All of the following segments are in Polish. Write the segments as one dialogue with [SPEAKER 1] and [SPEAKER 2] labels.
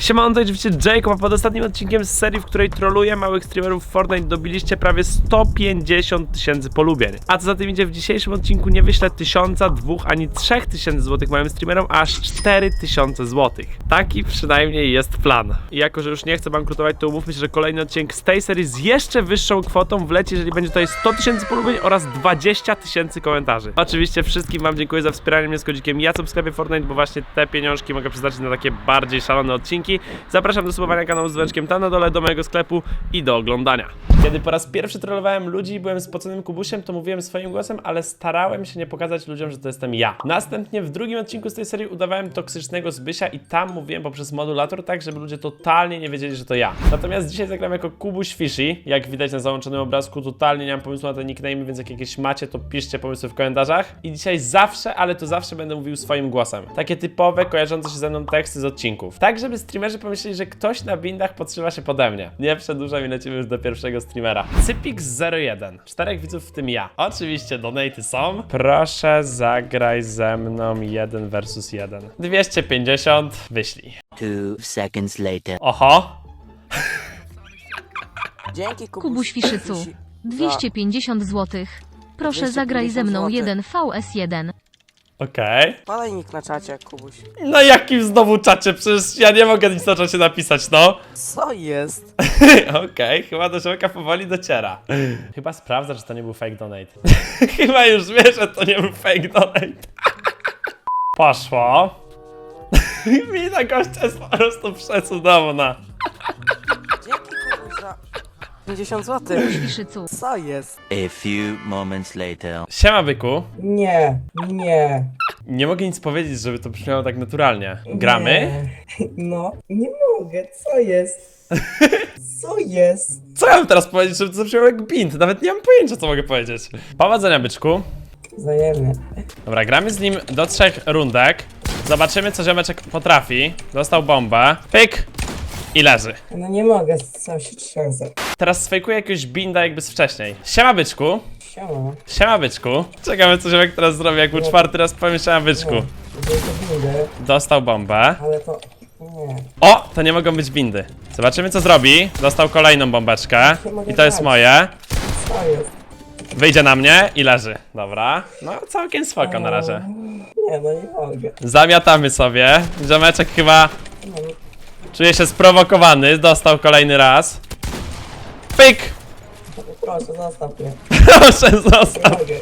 [SPEAKER 1] Siemano, to oczywiście Jacob, a pod ostatnim odcinkiem z serii, w której troluję małych streamerów Fortnite, dobiliście prawie 150 000 polubień. A co za tym idzie, w dzisiejszym odcinku nie wyślę 1000, 2 ani 3000 złotych małym streamerom, a aż 4000 złotych. Taki przynajmniej jest plan. I jako, że już nie chcę bankrutować, to umówmy się, że kolejny odcinek z tej serii z jeszcze wyższą kwotą wleci, jeżeli będzie tutaj 100 000 polubień oraz 20 000 komentarzy. Oczywiście wszystkim wam dziękuję za wspieranie mnie z kodzikiem Jacop w sklepie Fortnite, bo właśnie te pieniążki mogę przeznaczyć na takie bardziej szalone odcinki. Zapraszam do subowania kanału z dzwoneczkiem tam na dole, do mojego sklepu i do oglądania. Kiedy po raz pierwszy trollowałem ludzi i byłem spoconym kubusiem, to mówiłem swoim głosem, ale starałem się nie pokazać ludziom, że to jestem ja. Następnie w drugim odcinku z tej serii udawałem toksycznego Zbysia i tam mówiłem poprzez modulator tak, żeby ludzie totalnie nie wiedzieli, że to ja. Natomiast dzisiaj zagram jako Kubuś Fishy. Jak widać na załączonym obrazku, totalnie nie mam pomysłu na te nickname, więc jak jakieś macie, to piszcie pomysły w komentarzach. I dzisiaj zawsze, ale to zawsze będę mówił swoim głosem. Takie typowe, kojarzące się ze mną teksty z odcinków. Tak, żeby streamerzy pomyśleli, że ktoś na bindach podszywa się pode mnie. Nie przedłużam i lecimy już do pierwszego streamera. Cypix01. 4 widzów, w tym ja. Oczywiście donaty są. Proszę zagraj ze mną 1 versus 1. 250. Wyślij.
[SPEAKER 2] 2 seconds later.
[SPEAKER 1] Oho.
[SPEAKER 3] Dzięki
[SPEAKER 4] Kubuś Fiszycu, 250 zł. Proszę zagraj ze mną 1 vs1.
[SPEAKER 1] Okej.
[SPEAKER 3] Podaj nick na czacie, Kubuś.
[SPEAKER 1] No jakim znowu czacie? Przecież ja nie mogę nic na czacie napisać, no.
[SPEAKER 3] Co jest?
[SPEAKER 1] Okej, chyba do człowieka powoli dociera. Chyba sprawdza, czy to nie był fake donate. Chyba już wie, że to nie był fake donate. Poszło. Mina gościa jest po prostu przecudowna.
[SPEAKER 3] Dzięki, Kubuś, za 50 zł.
[SPEAKER 4] Kubuś Fiszycu,
[SPEAKER 3] Co jest?
[SPEAKER 2] A few moments later.
[SPEAKER 1] Siema, byku.
[SPEAKER 5] Nie.
[SPEAKER 1] Nie mogę nic powiedzieć, żeby to brzmiało tak naturalnie. Gramy?
[SPEAKER 5] Nie. No, nie mogę, co jest? Co jest?
[SPEAKER 1] Co ja mam teraz powiedzieć, żeby to zabrzmiało jak bint? Nawet nie mam pojęcia, co mogę powiedzieć. Powodzenia, byczku.
[SPEAKER 5] Wzajemnie.
[SPEAKER 1] Dobra, gramy z nim do 3 rundek. Zobaczymy, co ziomeczek potrafi. Dostał bombę. Pyk! I leży.
[SPEAKER 5] No nie mogę, co się trzęsę.
[SPEAKER 1] Teraz sfejkuję jakiegoś binda jakby z wcześniej. Siema, byczku.
[SPEAKER 5] Siema.
[SPEAKER 1] Siema, byczku. Czekamy, co ziomek teraz zrobi, jak mu 4 raz powiem siema, byczku.
[SPEAKER 5] Wielkie windy,
[SPEAKER 1] Dostał bombę.
[SPEAKER 5] ale to... Nie.
[SPEAKER 1] O! To nie mogą być bindy. Zobaczymy, co zrobi. Dostał kolejną bombeczkę. I to jest moje.
[SPEAKER 5] Co jest?
[SPEAKER 1] Wyjdzie na mnie i leży. Dobra. No, całkiem spoko na razie.
[SPEAKER 5] Nie, no nie mogę.
[SPEAKER 1] Zamiatamy sobie. Ziomeczek chyba
[SPEAKER 5] No,
[SPEAKER 1] czuje się sprowokowany. Dostał kolejny raz. Pyk!
[SPEAKER 5] proszę, zostaw mnie.
[SPEAKER 1] Proszę,
[SPEAKER 5] Nie
[SPEAKER 1] zostaw.
[SPEAKER 5] mogę.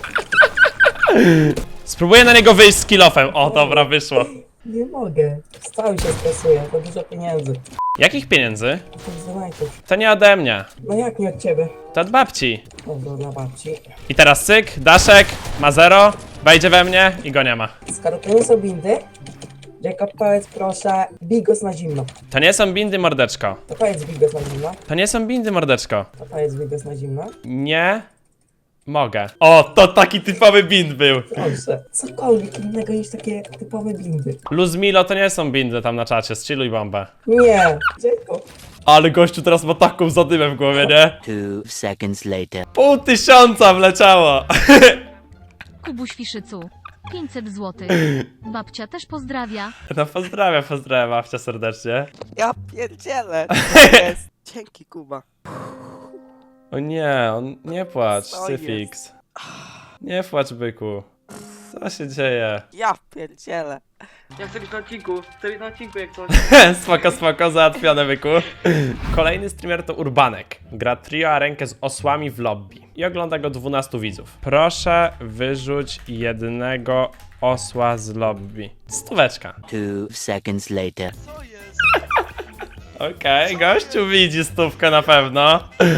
[SPEAKER 1] Spróbuję na niego wyjść z kilofem. O, dobra, wyszło.
[SPEAKER 5] Nie mogę. Cały się stresuję, to dużo pieniędzy.
[SPEAKER 1] Jakich pieniędzy?
[SPEAKER 5] Tych zanajtów.
[SPEAKER 1] To nie ode mnie.
[SPEAKER 5] No jak nie od ciebie?
[SPEAKER 1] To od babci.
[SPEAKER 5] Dobra, dla babci.
[SPEAKER 1] I teraz cyk, daszek, ma 0, wejdzie we mnie i go nie ma.
[SPEAKER 5] Skoro to nie są bindy, Jacob, powiedz proszę, bigos na zimno.
[SPEAKER 1] To nie są bindy, mordeczko.
[SPEAKER 5] To powiedz bigos na zimno.
[SPEAKER 1] To nie są bindy, mordeczko.
[SPEAKER 5] To powiedz bigos na zimno.
[SPEAKER 1] Nie mogę. O, to taki typowy bind był.
[SPEAKER 5] Proszę, cokolwiek innego niż takie typowe bindy.
[SPEAKER 1] Luzmilo to nie są bindy tam na czacie, zchilluj bombę.
[SPEAKER 5] Nie, Jacob.
[SPEAKER 1] Ale gościu teraz ma taką zadymę w głowie, nie?
[SPEAKER 2] 2 seconds later.
[SPEAKER 1] 500 wleciało.
[SPEAKER 4] Kubuś Fiszycu, 500 zł. Babcia też pozdrawia.
[SPEAKER 1] No pozdrawiam babcia serdecznie.
[SPEAKER 3] Ja pierdzielę. Co jest? Dzięki, Kuba.
[SPEAKER 1] O nie, on nie płacz,
[SPEAKER 3] Co
[SPEAKER 1] Cyfix. Nie płacz, byku. Co się dzieje?
[SPEAKER 3] Ja pierdzielę. Ja chcę być na odcinku, jak coś.
[SPEAKER 1] Spoko, załatwione, byku. Kolejny streamer to Urbanek. Gra trio a rękę z osłami w lobby. I ogląda go 12 widzów. Proszę wyrzuć jednego osła z lobby. 100.
[SPEAKER 2] 2 seconds later.
[SPEAKER 1] Okej, gościu widzi 100 na pewno.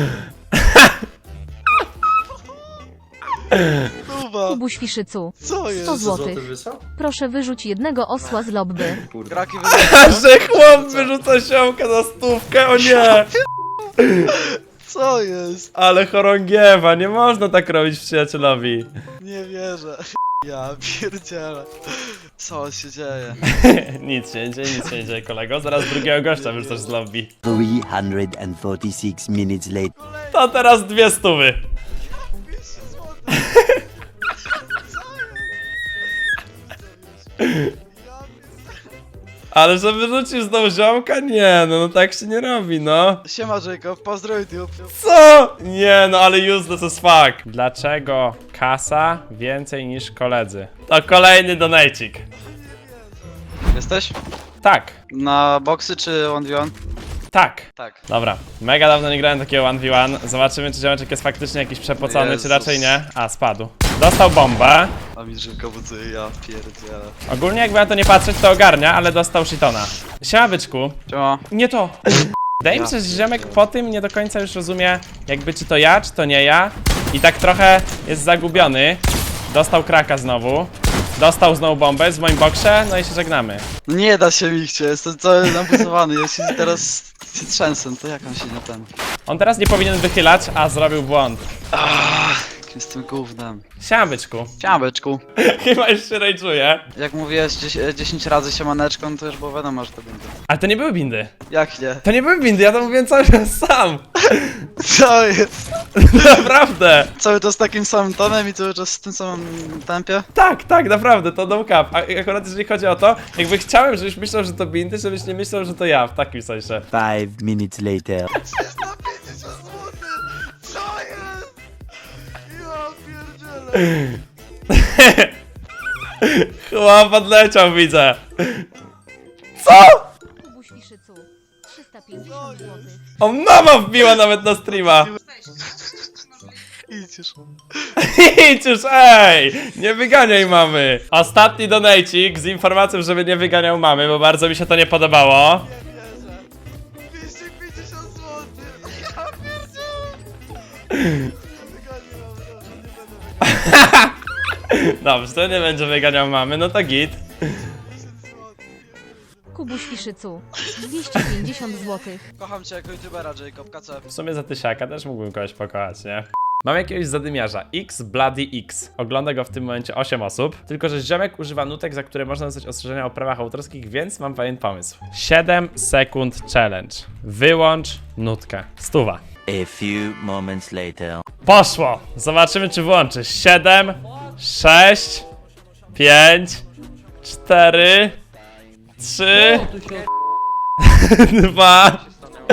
[SPEAKER 4] Kubuś Fiszycu,
[SPEAKER 6] Co jest?
[SPEAKER 4] 100 zł. Proszę wyrzuć jednego osła z lobby.
[SPEAKER 6] Graki
[SPEAKER 1] Że chłop wyrzuca siomka za 100, o nie!
[SPEAKER 6] Co jest?
[SPEAKER 1] Ale chorągiewa, nie można tak robić przyjacielowi.
[SPEAKER 6] Nie wierzę. Ja pierdzielę. Co się dzieje?
[SPEAKER 1] Nic się nie dzieje, kolego. Zaraz drugiego gościa wyrzucasz z lobby.
[SPEAKER 2] 346 minutes later.
[SPEAKER 1] To teraz 200. Ale że wyrzucisz znowu ziomka? Nie, no tak się nie robi, no.
[SPEAKER 6] Siema Jacob, pozdrow YouTube.
[SPEAKER 1] Co? Nie, no ale useless as fuck. Dlaczego kasa więcej niż koledzy? To kolejny donajcik.
[SPEAKER 6] Jesteś?
[SPEAKER 1] Tak,
[SPEAKER 6] Na boksy czy 1v1?
[SPEAKER 1] tak.
[SPEAKER 6] Tak.
[SPEAKER 1] Dobra, mega dawno nie grałem takiego 1v1. Zobaczymy, czy ziomeczek jest faktycznie jakiś przepocony,
[SPEAKER 6] Jezus.
[SPEAKER 1] czy raczej nie. A, spadł. Dostał bombę.
[SPEAKER 6] A mi Jacob buduje, ja pierdzielę.
[SPEAKER 1] Ogólnie jakby na to nie patrzeć, to ogarnia, ale dostał shitona. Siema, byczku.
[SPEAKER 6] Siema.
[SPEAKER 1] Nie to. Wydaje mi się, że ziomek po tym nie do końca już rozumie, jakby czy to ja, czy to nie ja. I tak trochę jest zagubiony. Dostał kraka znowu. Dostał znowu bombę w moim boksie, no i się żegnamy.
[SPEAKER 6] No nie da się mi chcieć, jestem cały nabuzowany, ja się teraz się trzęsę, to jak on się nie ten...
[SPEAKER 1] On teraz nie powinien wychylać, a zrobił błąd.
[SPEAKER 6] Jakim jestem gównem.
[SPEAKER 1] Siema, byczku.
[SPEAKER 6] Siema byczku.
[SPEAKER 1] Chyba już się rage'uje.
[SPEAKER 6] Jak mówiłeś 10 razy siemaneczką, no to już było wiadomo, że to będzie.
[SPEAKER 1] Ale to nie były bindy.
[SPEAKER 6] Jak nie?
[SPEAKER 1] To nie były bindy, ja to mówiłem cały czas sam.
[SPEAKER 6] Co jest?
[SPEAKER 1] Naprawdę.
[SPEAKER 6] Cały czas takim samym tonem i cały czas w tym samym tempie?
[SPEAKER 1] Tak, naprawdę, to no cap. A akurat jeżeli chodzi o to, jakby chciałem, żebyś myślał, że to bindy, żebyś nie myślał, że to ja, w takim sensie.
[SPEAKER 2] 5 minutes later.
[SPEAKER 6] 350 zł! Co jest? Ja pierdzielę!
[SPEAKER 1] Chłop odleciał, widzę. Co?
[SPEAKER 4] Kubuś Fiszycu. 350 zł.
[SPEAKER 1] O, mama wbiła nawet na streama.
[SPEAKER 6] Idź już.
[SPEAKER 1] Idź już, ej! Nie wyganiaj mamy. Ostatni donajcik z informacją, żeby nie wyganiał mamy, bo bardzo mi się to nie podobało.
[SPEAKER 6] 250 zł! Ja pierdzielę!
[SPEAKER 1] Dobrze, to nie będzie wyganiał mamy, no to git.
[SPEAKER 4] Kubuś Fiszycu. 250 zł.
[SPEAKER 6] Kocham cię jako youtubera, Jacob, KC.
[SPEAKER 1] W sumie za tysiaka też mógłbym kogoś pokochać, nie? Mam jakiegoś zadymiarza, X Bloody X. Ogląda go w tym momencie 8 osób. Tylko że ziomek używa nutek, za które można dostać ostrzeżenia o prawach autorskich, więc mam pewien pomysł. 7 sekund challenge. Wyłącz nutkę. 100.
[SPEAKER 2] A few moments later.
[SPEAKER 1] Poszło! Zobaczymy, czy włączy. 7, 6, 5, 4, 3, 2,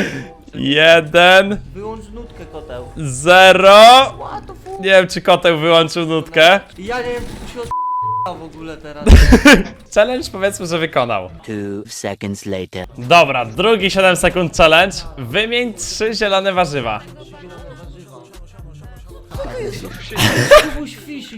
[SPEAKER 1] 1,
[SPEAKER 3] Wyłącz nutkę, koteł.
[SPEAKER 1] 0. Nie wiem, czy koteł wyłączył nutkę.
[SPEAKER 3] Ja nie wiem, co tu się w ogóle teraz.
[SPEAKER 1] Challenge powiedzmy, że wykonał.
[SPEAKER 2] 2 seconds later.
[SPEAKER 1] Dobra, drugi 7 sekund challenge. Wymień 3 zielone warzywa.
[SPEAKER 3] Kubuś Fiszyk.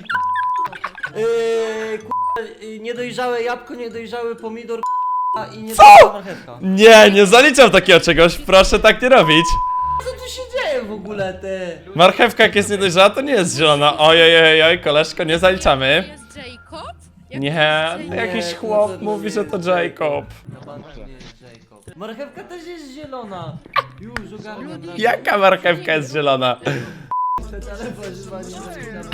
[SPEAKER 3] Niedojrzałe jabłko, niedojrzały pomidor i niedojrzała marchewka.
[SPEAKER 1] Nie zaliczam takiego czegoś. Proszę tak nie robić.
[SPEAKER 3] Co tu się dzieje w ogóle, ty?
[SPEAKER 1] Marchewka jak jest niedojrzała, to nie jest zielona. Ojej, koleżko, nie zaliczamy.
[SPEAKER 7] Jest Jacob?
[SPEAKER 1] Nie, jakiś
[SPEAKER 3] Nie,
[SPEAKER 1] chłop
[SPEAKER 3] to
[SPEAKER 1] mówi,
[SPEAKER 3] nie
[SPEAKER 1] że to
[SPEAKER 3] jest
[SPEAKER 1] Jacob.
[SPEAKER 3] Na bank nie jest Jacob. Marchewka też jest zielona. Już ogarniam.
[SPEAKER 1] Jaka marchewka jest zielona?
[SPEAKER 3] Ale warzywa nie zaliczamy.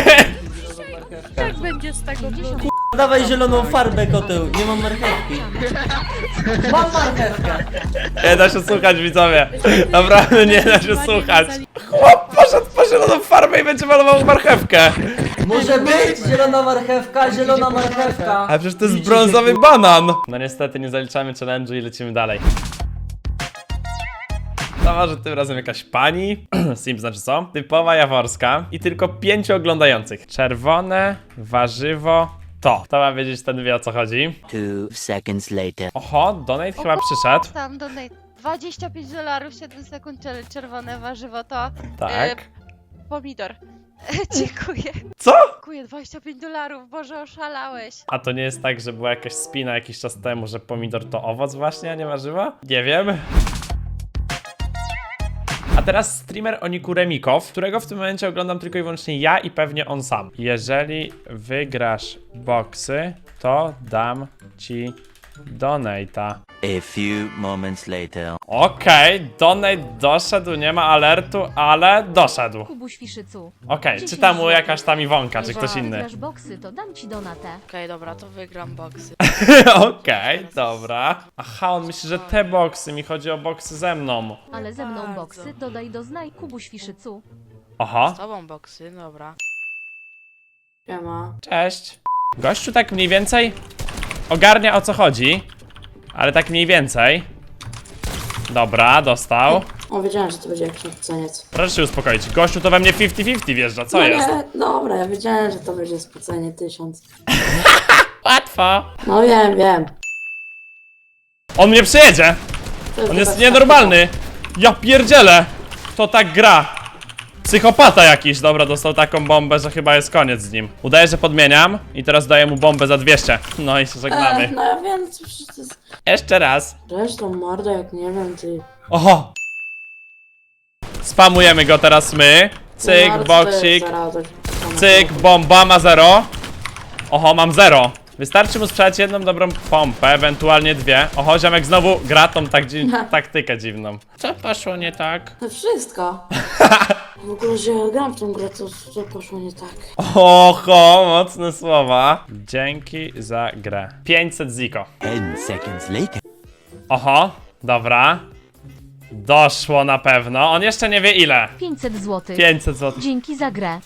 [SPEAKER 7] Tak będzie z tego bludu.
[SPEAKER 3] Dawaj zieloną farbę, koteł. Nie mam marchewki. Mam marchewkę.
[SPEAKER 1] Nie da się słuchać, widzowie. Naprawdę nie da się słuchać. Chłop poszedł po zieloną farbę i będzie malował marchewkę.
[SPEAKER 3] Może być zielona marchewka.
[SPEAKER 1] Ale przecież to jest brązowy banan. No niestety nie zaliczamy challenge'u i lecimy dalej. To może tym razem jakaś pani, Sim znaczy co? Typowa jaworska i tylko 5 oglądających. Czerwone warzywo to. Kto ma wiedzieć, ten wie o co chodzi.
[SPEAKER 2] 2 seconds later.
[SPEAKER 1] Oho, donate chyba przyszedł.
[SPEAKER 7] Tam donate. $25, 7 sekund, czerwone warzywo to
[SPEAKER 1] Tak.
[SPEAKER 7] pomidor. Dziękuję.
[SPEAKER 1] Co?
[SPEAKER 7] Dziękuję, $25, Boże, oszalałeś.
[SPEAKER 1] A to nie jest tak, że była jakaś spina jakiś czas temu, że pomidor to owoc właśnie, a nie warzywa? Nie wiem. A teraz streamer Oniku Remikow, którego w tym momencie oglądam tylko i wyłącznie ja i pewnie on sam. Jeżeli wygrasz boksy, to dam ci donate'a.
[SPEAKER 2] A few moments later.
[SPEAKER 1] Okej, donate doszedł, nie ma alertu, ale doszedł.
[SPEAKER 4] Kubuś Fiszycu.
[SPEAKER 1] Okej, czy tam mu jakaś tam Iwonka, czy ktoś inny?
[SPEAKER 4] Wygrasz boksy, to dam ci donatę.
[SPEAKER 7] Okej, dobra, to wygram boksy.
[SPEAKER 1] Okej, dobra. Aha, on myśli, że te boksy, mi chodzi o boksy ze mną.
[SPEAKER 4] Ale ze mną
[SPEAKER 7] Bardzo.
[SPEAKER 4] boksy dodaj do znaj Kubuś Fiszycu.
[SPEAKER 1] Oho,
[SPEAKER 7] Z tobą boksy, dobra.
[SPEAKER 1] cześć. Gościu tak mniej więcej ogarnia o co chodzi. Ale tak mniej więcej. Dobra, dostał.
[SPEAKER 8] O, wiedziałem, że to będzie jakiś spoceniec.
[SPEAKER 1] Proszę się uspokoić. Gościu to we mnie 50-50 wjeżdża, co
[SPEAKER 8] No
[SPEAKER 1] jest?
[SPEAKER 8] nie, dobra, ja wiedziałem, że to będzie spocenie 1000.
[SPEAKER 1] Łatwo.
[SPEAKER 8] No wiem.
[SPEAKER 1] On mnie przejedzie. On jest nienormalny. Ja pierdzielę. To tak gra. Psychopata jakiś. Dobra, dostał taką bombę, że chyba jest koniec z nim. Udaję, że podmieniam i teraz daję mu bombę za 200. No i się żegnamy.
[SPEAKER 8] No ja wiem, co przecież to jest...
[SPEAKER 1] Jeszcze raz.
[SPEAKER 8] Zresztą mordo, jak nie wiem, ty...
[SPEAKER 1] Oho. Spamujemy go teraz my. Cyk,
[SPEAKER 8] Mordo, to jest
[SPEAKER 1] boksik.
[SPEAKER 8] zaraz-
[SPEAKER 1] Cyk, bomba, ma 0. Oho, mam 0. Wystarczy mu sprzedać jedną dobrą pompę, ewentualnie dwie. Oho, ziomek znowu gra tą taktykę dziwną. Co poszło nie tak?
[SPEAKER 8] To wszystko. W ogóle, że ja gram w tą grę, to poszło nie tak.
[SPEAKER 1] Oho, mocne słowa. Dzięki za grę. 500 ziko.
[SPEAKER 2] 10 seconds later.
[SPEAKER 1] Oho, dobra. Doszło na pewno. On jeszcze nie wie ile.
[SPEAKER 4] 500 zł.
[SPEAKER 1] 500 zł.
[SPEAKER 4] Dzięki za grę.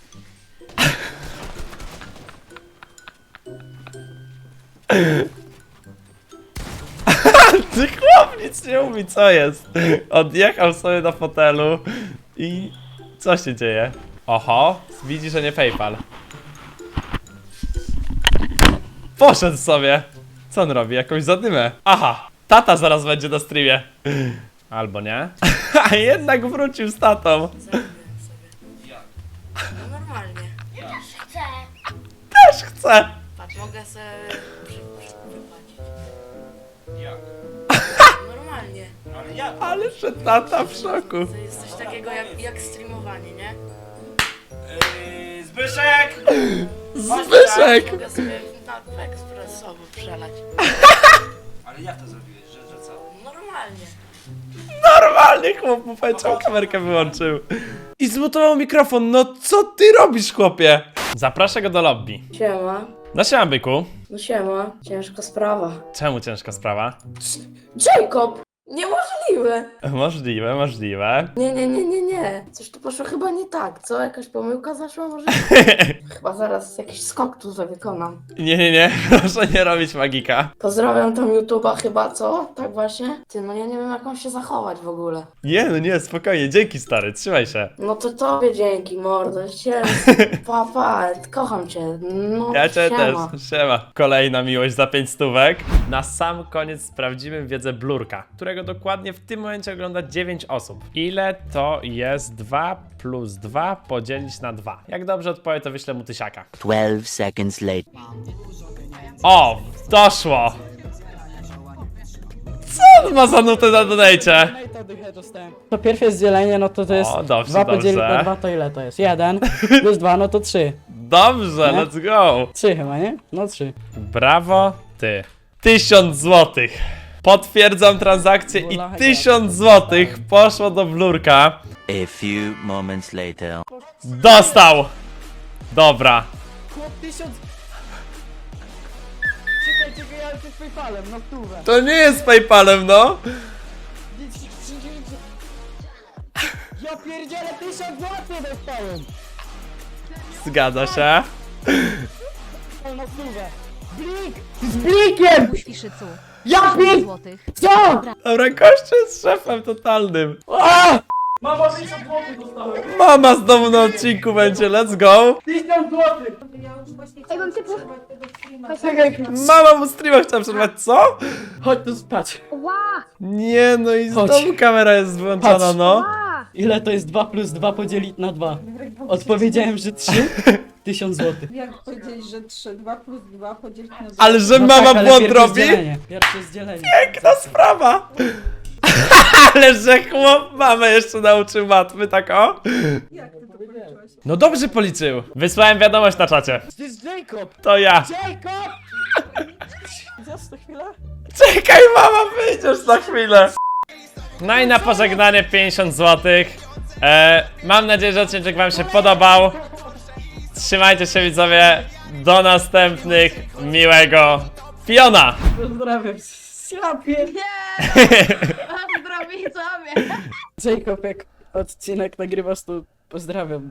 [SPEAKER 1] Ty chłop nic nie mówi, co jest? Odjechał sobie na fotelu i co się dzieje? Oho, widzi, że nie PayPal. Poszedł sobie. Co on robi? Jakąś zadymę. Aha, tata zaraz będzie na streamie. Albo nie. A jednak wrócił z tatą.
[SPEAKER 8] No normalnie.
[SPEAKER 1] Też chce.
[SPEAKER 8] Patrz, mogę sobie wypłacić. Jak? Normalnie.
[SPEAKER 1] Ale że tata w szoku.
[SPEAKER 8] To jest coś takiego jak streamowanie, nie?
[SPEAKER 1] Zbyszek!
[SPEAKER 8] Mogę sobie na ekspresowo przelać.
[SPEAKER 9] Ale jak to zrobiłeś, że co?
[SPEAKER 8] Normalnie.
[SPEAKER 1] Normalnie chłop mu powiedział, kamerkę wyłączył. I zmutował mikrofon. No co ty robisz, chłopie? Zaproszę go do lobby.
[SPEAKER 8] Siema.
[SPEAKER 1] No siema, byku.
[SPEAKER 8] No siema. Ciężka sprawa.
[SPEAKER 1] Czemu ciężka sprawa?
[SPEAKER 8] Jacob! Niemożliwe!
[SPEAKER 1] Możliwe, możliwe.
[SPEAKER 8] Nie. Coś tu poszło chyba nie tak, co? Jakaś pomyłka zaszła może? Chyba zaraz jakiś skok tu wykonam.
[SPEAKER 1] Nie, proszę nie robić magika.
[SPEAKER 8] Pozdrawiam tam YouTube'a chyba, co? Tak właśnie? Ty, no ja nie wiem jak mam się zachować w ogóle.
[SPEAKER 1] Nie, spokojnie, dzięki stary, trzymaj się.
[SPEAKER 8] No to tobie dzięki, mordo. Papa, kocham cię. No,
[SPEAKER 1] Ja cię
[SPEAKER 8] siema.
[SPEAKER 1] też, siema. Kolejna miłość za 5 stówek. Na sam koniec sprawdzimy wiedzę Blurka, którego dokładnie w tym momencie ogląda 9 osób. Ile to jest 2 plus 2 podzielić na 2? Jak dobrze odpowie, to wyślę mu tysiaka.
[SPEAKER 2] 12 seconds later.
[SPEAKER 1] O, doszło! Co on ma za nutę na donajcie?
[SPEAKER 10] To pierwsze jest dzielenie, no to jest
[SPEAKER 1] O, dobrze,
[SPEAKER 10] 2 podzielić
[SPEAKER 1] dobrze.
[SPEAKER 10] na 2 to ile to jest? 1 plus 2 no to 3.
[SPEAKER 1] Dobrze,
[SPEAKER 10] Nie?
[SPEAKER 1] let's go!
[SPEAKER 10] 3 chyba, nie? No 3.
[SPEAKER 1] Brawo, ty. 1000 złotych. Potwierdzam transakcję i 1000 złotych poszło do Blurka.
[SPEAKER 2] A few moments later.
[SPEAKER 1] Dostał! Dobra.
[SPEAKER 10] Chłop 1000... Czekaj, ale to jest PayPalem, no stówę.
[SPEAKER 1] To nie jest PayPalem, no.
[SPEAKER 10] Ja pierdzielę 1000 zł dostałem!
[SPEAKER 1] Zgadza się.
[SPEAKER 10] No stówę. Blik! Z blikiem!
[SPEAKER 4] Fiszycu.
[SPEAKER 10] Ja
[SPEAKER 4] 1000
[SPEAKER 10] pier...
[SPEAKER 4] złotych.
[SPEAKER 10] Co?
[SPEAKER 1] Dobra, gościu jest szefem totalnym.
[SPEAKER 10] A!
[SPEAKER 1] Mama znowu na odcinku będzie, let's go.
[SPEAKER 10] 1000 zł!
[SPEAKER 1] Mama mu streama chciała przerwać, co?
[SPEAKER 10] Chodź tu spać.
[SPEAKER 1] Nie, no i
[SPEAKER 10] Chodź.
[SPEAKER 1] znowu kamera jest wyłączona,
[SPEAKER 10] Chodź.
[SPEAKER 1] no.
[SPEAKER 10] Ile to jest 2 plus 2 podzielić na 2? Odpowiedziałem, że 3. 1000 zł.
[SPEAKER 11] Jak powiedzieć, że 3, 2 plus 2 podzielić na 2.
[SPEAKER 1] Ale że
[SPEAKER 10] No
[SPEAKER 1] mama
[SPEAKER 10] tak, ale
[SPEAKER 1] błąd
[SPEAKER 10] pierwsze
[SPEAKER 1] robi?
[SPEAKER 10] jest dzielenie. Pierwsze jest dzielenie.
[SPEAKER 1] Piękna sprawa. Ale że chłop mamę jeszcze nauczył matmy, tak o?
[SPEAKER 11] Jak ty to policzyłeś?
[SPEAKER 1] No dobrze policzył. Wysłałem wiadomość na czacie.
[SPEAKER 10] To jest Jacob!
[SPEAKER 1] To ja.
[SPEAKER 10] Jacob! Zaraz na chwilę.
[SPEAKER 1] Czekaj, mama, wyjdziesz za chwilę. No i na pożegnanie 50 zł. Mam nadzieję, że odcinek wam się podobał. Trzymajcie się, widzowie. Do następnych. Miłego piona.
[SPEAKER 10] Pozdrawiam. Ja pier...
[SPEAKER 7] Zdrowie sobie!
[SPEAKER 10] Jacob, jak odcinek nagrywasz, to pozdrawiam.